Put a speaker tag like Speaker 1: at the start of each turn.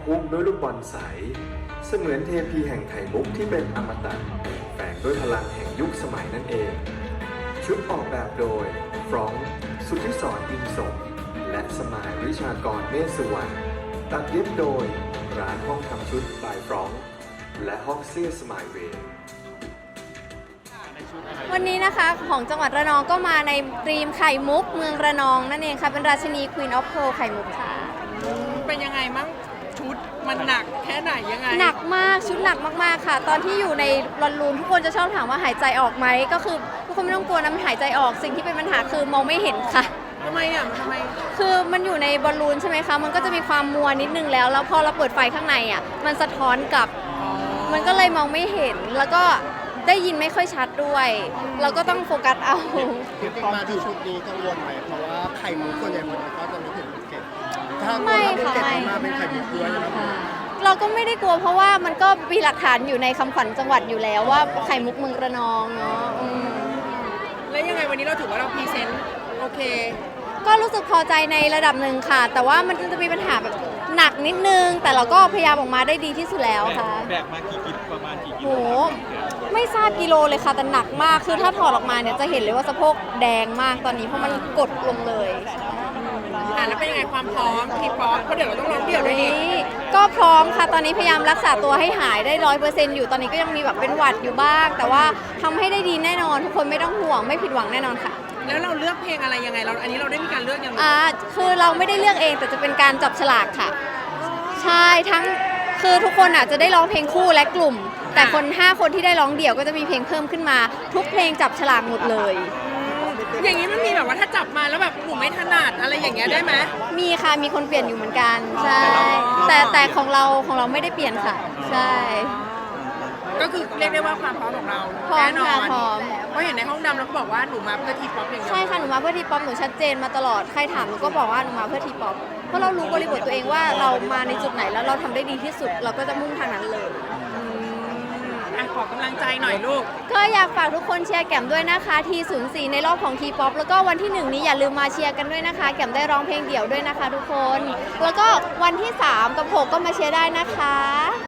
Speaker 1: หุ้มด้วยลูกบอลใสเสมือนเทพีแห่งไข่มุกที่เป็นอมตะแฝงด้วยพลังแห่งยุคสมัยนั่นเอง ชุดออกแบบโดยฟรองก์สุทธิศรอินสมและสมายวิชากรเมฆสุวรรณตัดเย็บโดยร้านห้องทำชุดบายฟรองก์และห้องเสื้อสมายเวย์
Speaker 2: วันนี้นะคะของจังหวัดระนองก็มาในธีมไข่มุกเมืองระนองนั่นเองค่ะเป็นราชินี Queen of Pearl ไข่มุกค่ะ
Speaker 3: เป็นยังไงมั่งชุดมันหนักแค่ไหนยังไง
Speaker 2: หนักมากชุดหนักมากๆค่ะ ตอนที่อยู่ในบอลลูนทุกคนจะชอบถามว่าหายใจออกไหมก็คือทุกคนไม่ต้องกลัวนะมันหายใจออกสิ่งที่เป็นปัญหาคือมองไม่เห็นค่ะ
Speaker 3: ทำไมอ่ะทำไม
Speaker 2: คือมันอยู่ในบอลลูนใช่ไหมคะมันก็จะมีความมัวนิดนึงแล้วพอเราเปิดไฟข้างในอ่ะมันสะท้อนกลับมันก็เลยมองไม่เห็นแล้วก็ได้ยินไม่ค่อยชัดด้วยเราก็ต้องโฟกัสเอา
Speaker 4: จริงๆมาที่ชุดนี้กังวลไหมเพราะว่าไข่มุกส่วนใหญ่มันก็จะนึกถึงภูเก็ตถ้า
Speaker 2: ไม่
Speaker 4: ภู
Speaker 2: ค่ะ
Speaker 4: เก็ต
Speaker 2: ไม่
Speaker 4: มาเป็นไข่มุกด้วยนะครับ
Speaker 2: เราก็ไม่ได้กลัวเพราะว่ามันก็มีหลักฐานอยู่ในคำขวัญจังหวัดอยู่แล้วว่าไข่มุกเมืองระนองเนาะ
Speaker 3: แล้วยังไงวันนี้เราถือว่าเราพรีเซนต์โอเค
Speaker 2: ก็รู้สึกพอใจในระดับหนึ่งค่ะ แต่ว่ามันจะมีปัญหาแบบหนักนิดนึง แต่เราก็พยายามออกมาได้ดีที่สุดแล้วค่ะ
Speaker 5: แบกมากี่กิโลประมาณกี่กิ
Speaker 2: โห
Speaker 5: โล
Speaker 2: ไม่ทราบกิโลเลยค่ะแต่หนักมากคือถ้าถอดออกมาเนี่ยจะเห็นเลยว่าสะโพกแดงมากตอนนี้เพราะมันกดลงเลย
Speaker 3: แล้วเป็นยังไงความพร้อมทีป๊อปเพราะเดี๋ยวเราต้องร้องเดี่ยวด้วยนี่
Speaker 2: ก็พร้อมค่ะตอนนี้พยายามรักษาตัวให้หายได้100%อยู่ตอนนี้ก็ยังมีแบบเป็นหวัดอยู่บ้าง แต่ว่าทำให้ได้ดีแน่นอนทุกคนไม่ต้องห่วงไม่ผิดหวังแน่นอนค่ะ
Speaker 3: แล้วเราเลือกเพลงอะไรยังไงเราอันนี้เราได้มีการเลือกยังไง
Speaker 2: คือเราไม่ได้เลือกเองแต่จะเป็นการจับฉลากค่ะ ใช่ทั้งคือทุกคนอาจจะได้ร้องเพลงคู่และกลุ่ม แต่คน5คนที่ได้ร้องเดี่ยวก็จะมีเพลงเพิ่มขึ้นมา ทุกเพลงจับฉลากหมดเลย
Speaker 3: อย่างนี้มันมีแบบว่าถ้าจับมาแล้วแบบหนูไม่ถนัดอะไรอย่างเงี้ยได้ไหม
Speaker 2: มีค่ะมีคนเปลี่ยนอยู่เหมือนกันใช่แต่ของเราไม่ได้เปลี่ยนค่ะ ใช่
Speaker 3: ก็คือเรียกได้ว่าความพร้อมของเรา
Speaker 2: พร้อม
Speaker 3: แน่นอ
Speaker 2: ค่ะ
Speaker 3: น
Speaker 2: พร้อม
Speaker 3: เพราะเห็นในห้องดำเราก็บอกว่าหนูมาเพื่อทีป๊อปอย่างเดียว
Speaker 2: ใช่ค่ะหนูมาเพื่อทีป๊อปหนูชัดเจนมาตลอดใครถามหนูก็บอกว่าหนูมาเพื่อทีป๊อปเพราะเรารู้บริบทตัวเองว่าเรามาในจุดไหนแล้วเราทำได้ดีที่สุด เราก็จะมุ่งทางนั้นเลย
Speaker 3: ขอกำลังใจหน่อยลูก
Speaker 2: ก็อยากฝากทุกคนเชียร์แก้มด้วยนะคะที04ในรอบของทีป๊อปแล้วก็วันที่1นี้อย่าลืมมาเชียร์กันด้วยนะคะแก้มได้ร้องเพลงเดี่ยวด้วยนะคะทุกคน แล้วก็วันที่3กับ6ก็มาเชียร์ได้นะคะ